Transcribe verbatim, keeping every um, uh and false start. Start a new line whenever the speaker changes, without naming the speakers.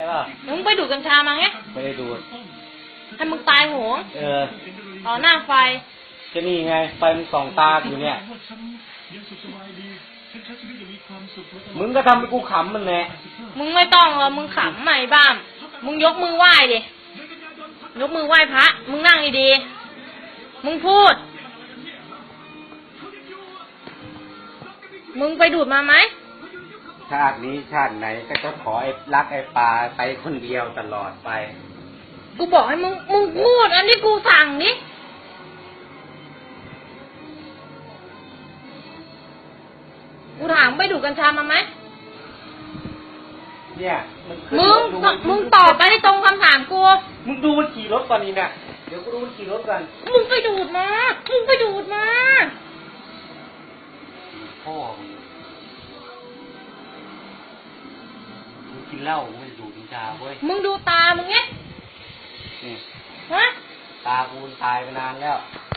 ล่ะ
มึงไปดูดกัญชามาไง
ไม่ได้ดูด
ให้มึงตายโหง
เออ
ต่อหน้าไฟ
จะนี่ไงไฟมึงส่องตาอยู่เนี่ยมึงก็ทำให้กูขำมันแหละ
มึงไม่ต้องหรอกมึงขำใหม่บ้ามมึงยกมือไหว้ดิยกมือไหว้พระมึงนั่งดีๆมึงพูดมึงไปดูดมาไหม
ชาตินี้ชาติไหนก็จะขอไอ้รักไอ้ปลาไปคนเดียวตลอดไป
กูบอกให้มึงมึงพูดอันที่กูสั่งนี่กูถามไปดูดกัญชามาไหม
เนี่ย
มึงมึงตอบไปให้ตรงคำถามกู
มึงดูมันขี่รถก่อนนี่เนี่ยเดี๋ยวกูดูมันขี่รถก่อน
มึงไปดูดมามึงไปดูดมา
พ่อมึงกินเหล้ามึงไม่ดูดกัญชาเว้ย
มึงดูตามึงไง
นี่
ฮะ
ตากูตายไปนานแล้ว